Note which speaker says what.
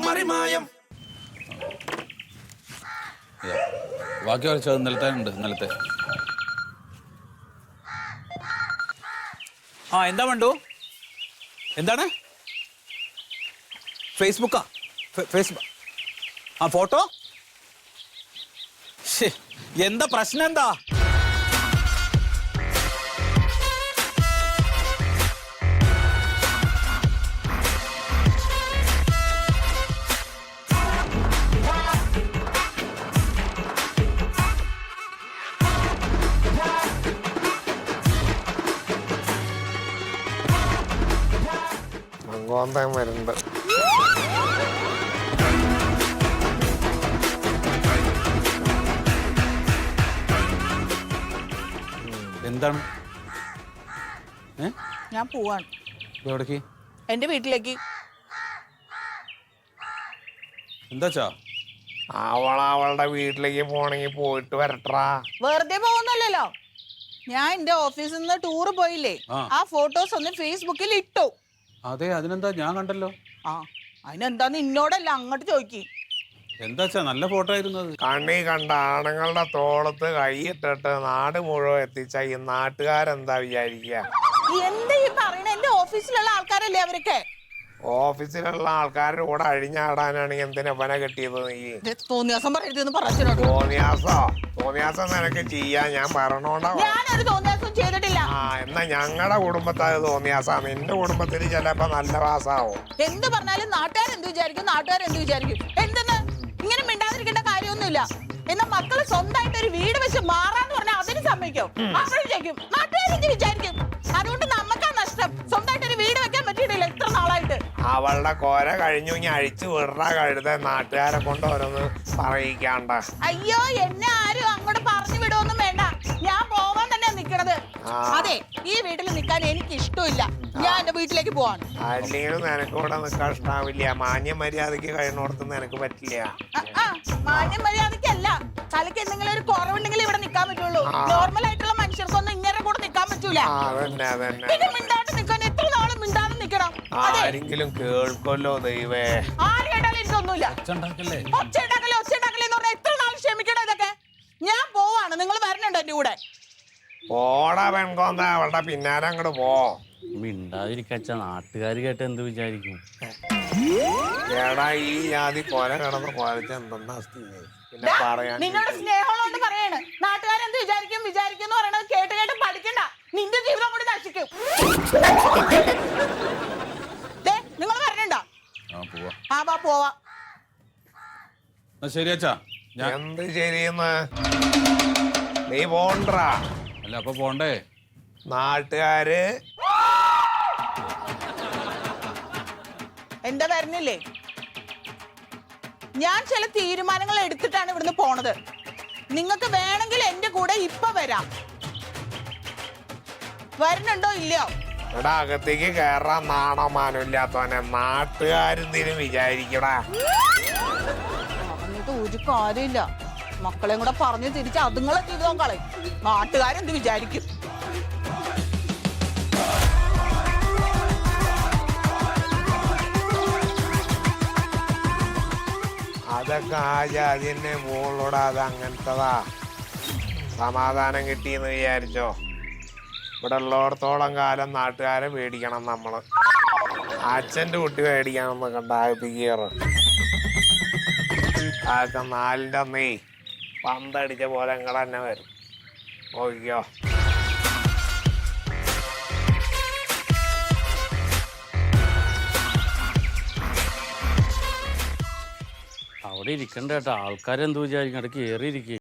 Speaker 1: മറിമായം.
Speaker 2: ബാക്കി വരച്ചത് നിലത്തെ ഉണ്ട്. നിലത്തെ എന്താ വേണ്ടു? എന്താണ്? ഫേസ്ബുക്കാ? Facebook photo? എന്താ പ്രശ്നം? എന്താ
Speaker 3: മങ്കോന്തം വരുന്നുണ്ട്.
Speaker 2: എന്താണ്?
Speaker 4: ഞാൻ പോവാണ്.
Speaker 2: എവിടേക്ക്?
Speaker 4: എന്റെ വീട്ടിലേക്ക്.
Speaker 2: എന്താച്ചാ?
Speaker 3: അവളുടെ വീട്ടിലേക്ക് പോണെങ്കിൽ പോയിട്ട് വരട്ടാ.
Speaker 4: വെറുതെ പോകുന്നല്ലോ. ഞാൻ എന്റെ ഓഫീസിൽ നിന്ന് ടൂർ പോയില്ലേ, ആ ഫോട്ടോസ് ഒന്ന് ഫേസ്ബുക്കിൽ ഇട്ടു.
Speaker 2: അതെ, അതിനെന്താ? ഞാൻ കണ്ടല്ലോ.
Speaker 4: അതിനെന്താന്ന് ഇന്നോടല്ല അങ്ങോട്ട് ചോദിക്കി.
Speaker 2: എന്താച്ചാ? നല്ല ഫോട്ടോ ആയിരുന്നു അത്.
Speaker 3: കണ്ണി കണ്ട ആണുങ്ങളുടെ തോളത്ത് കൈയിട്ടിട്ട് നാട് മുഴുവൻ എത്തിച്ച ഈ നാട്ടുകാരെന്താ വിചാരിക്കുക?
Speaker 4: എന്താ ഈ പറയണ? എന്റെ ഓഫീസിലുള്ള ആൾക്കാരല്ലേ അവരൊക്കെ.
Speaker 3: ഓഫീസിലുള്ള ആൾക്കാരുടെ കൂടെ അഴിഞ്ഞാടാനാണെങ്കിൽ എന്തിനാ പന കെട്ടിയത്? നീ
Speaker 4: തോന്നിയാസം പറയരുതെന്ന് പറഞ്ഞു.
Speaker 3: തോന്നിയാസം നിനക്ക് ചെയ്യാൻ ഞാൻ പറഞ്ഞോണ്ടാ.
Speaker 4: ഞാനൊരു തോന്നിയാസം ചെയ്തിട്ടില്ല.
Speaker 3: എന്നാ ഞങ്ങളുടെ കുടുംബത്തിൽ അത് തോന്നിയാസാ. നിന്റെ കുടുംബത്തിൽ ചിലപ്പോ നല്ല വാസാവും.
Speaker 4: എന്ത് പറഞ്ഞാലും നാട്ടുകാരെന്ത് വിചാരിക്കും? എന്തെന്ന് ഇങ്ങനെ മിണ്ടാതിരിക്കേണ്ട കാര്യമൊന്നുമില്ല. എന്നാ മക്കള് സ്വന്തമായിട്ട് ഒരു വീട് വെച്ച് മാറാന്ന് പറഞ്ഞാൽ അതിന് സമ്മതിക്കും. അപ്പോഴേക്കും നാട്ടുകാരെന്ത് വിചാരിക്കും? അതുകൊണ്ട് നമുക്കാ നഷ്ടം. സ്വന്തമായിട്ട് ഒരു വീട് വെക്കാൻ പറ്റിയിട്ടില്ല ഇത്ര നാളായിട്ട്.
Speaker 3: അവളുടെ കോര കഴിഞ്ഞു. ഇനി അഴിച്ചു വിടറാ കഴുത. നാട്ടുകാരെ കൊണ്ട് ഓരോന്ന് പറയിക്കാണ്ട.
Speaker 4: അയ്യോ, എന്നെ ആരും അങ്ങോട്ട് പറഞ്ഞു വിടുവൊന്നും വേണ്ട. ഞാൻ പോവാൻ തന്നെ നിക്കണത്. അതെ, ഈ വീട്ടിൽ നിൽക്കാൻ എനിക്ക് ഇഷ്ടമില്ല. ഞാൻ എന്റെ വീട്ടിലേക്ക് പോവാണ്.
Speaker 3: അല്ലെങ്കിലും നിനക്ക് ഇവിടെ നിൽക്കാൻ ഇഷ്ടാവില്ല. മാന്യ മര്യാദക്ക് കഴിഞ്ഞോടത്ത് നിനക്ക് പറ്റില്ല.
Speaker 4: മാന്യ മര്യാദക്കല്ല, തലയ്ക്ക് എന്തെങ്കിലും ഒരു കുറവുണ്ടെങ്കിൽ ഇവിടെ നിൽക്കാൻ പറ്റുള്ളൂ. നോർമൽ ആയിട്ടുള്ള മനുഷ്യർക്കൊന്നും ഇങ്ങനെ കൂടെ നിൽക്കാൻ പറ്റൂല. പിന്നെ മിണ്ടാണ്ട് നിൽക്കാൻ എത്ര നാളും മിണ്ടാതെ നിൽക്കണം.
Speaker 3: ആരെങ്കിലും കേൾക്കൊല്ലോ ദൈവേ.
Speaker 4: ആര് കേട്ടാലും എനിക്കൊന്നുമില്ല. ഒച്ചയുണ്ടാക്കല്ലേ എന്ന് പറഞ്ഞാൽ എത്ര നാൾ ക്ഷമിക്കണം ഇതൊക്കെ. ഞാൻ പോവാണ്. നിങ്ങൾ വരണുണ്ടോ എന്റെ കൂടെ?
Speaker 3: പോടാ പെൺകോന്ത, അവളുടെ പിന്നാലെ അങ്ങോട്ട് പോ.
Speaker 5: മിണ്ടാതിരിക്കച്ച, നാട്ടുകാർ കേട്ട് എന്ത് വിചാരിക്കും?
Speaker 3: ഏടാ ഈ ജാതി കൊല കിടന്ന് കൊലച്ച് എന്തെന്നാ സ്ഥിതി? പിന്നെ പറയാൻ
Speaker 4: നിന്നോട് സ്നേഹമുള്ളതുകൊണ്ട് പറയാണ്. നാട്ടുകാരെന്ത് വിചാരിക്കും എന്ന് പറയണത് കേട്ട് കേട്ട് പഠിക്കണ്ട. നിന്റെ ജീവിതം കൂടി നശിക്കും. നിങ്ങൾ വരണുണ്ടോ? പോവാ.
Speaker 2: ശരി അച്ഛാ.
Speaker 3: എന്ത് ശരിയെന്ന്? നീ പോണ്ടാ.
Speaker 2: അല്ല, അപ്പൊ പോണ്ടേ?
Speaker 3: നാട്ടുകാര്
Speaker 4: എന്താ വരുന്നില്ലേ? ഞാൻ ചില തീരുമാനങ്ങൾ എടുത്തിട്ടാണ് ഇവിടുന്ന് പോണത്. നിങ്ങൾക്ക് വേണമെങ്കിൽ എന്റെ കൂടെ ഇപ്പൊ വരാം. വരുന്നുണ്ടോ ഇല്ലയോ?
Speaker 3: ഇവിടെ അകത്തേക്ക് കയറാൻ നാണോ മാനോ ഇല്ലാത്തവനെ നാട്ടുകാരെന്തിനും വിചാരിക്കടാ.
Speaker 4: പറഞ്ഞിട്ട് ഒരു കാര്യമില്ല. മക്കളെയും കൂടെ പറഞ്ഞു തിരിച്ച് അതുങ്ങളെ ജീവിതം കളയും. നാട്ടുകാരെന്ത് വിചാരിക്കും?
Speaker 3: അതൊക്കെ ആ ജാതിന്നെ മോളോടാ. അത് അങ്ങനത്തതാ. സമാധാനം കിട്ടിയെന്ന് വിചാരിച്ചോ? ഇവിടെ ഉള്ളോടത്തോളം കാലം നാട്ടുകാരെ പേടിക്കണം നമ്മള്. അച്ഛൻ്റെ കുട്ടി പേടിക്കണമെന്ന് കണ്ട ആയിപ്പിക്കാറ്. അതൊക്കെ 4ന്റെ അന്നേ പന്തടിച്ച പോലെ ഇങ്ങടെ തന്നെ വരും. നോക്കിക്കോ.
Speaker 5: അവിടെ ഇരിക്കണ്ട കേട്ടോ. ആൾക്കാരെന്ത് വിചാരിക്കും? ഇടയ്ക്ക് കയറിയിരിക്കും.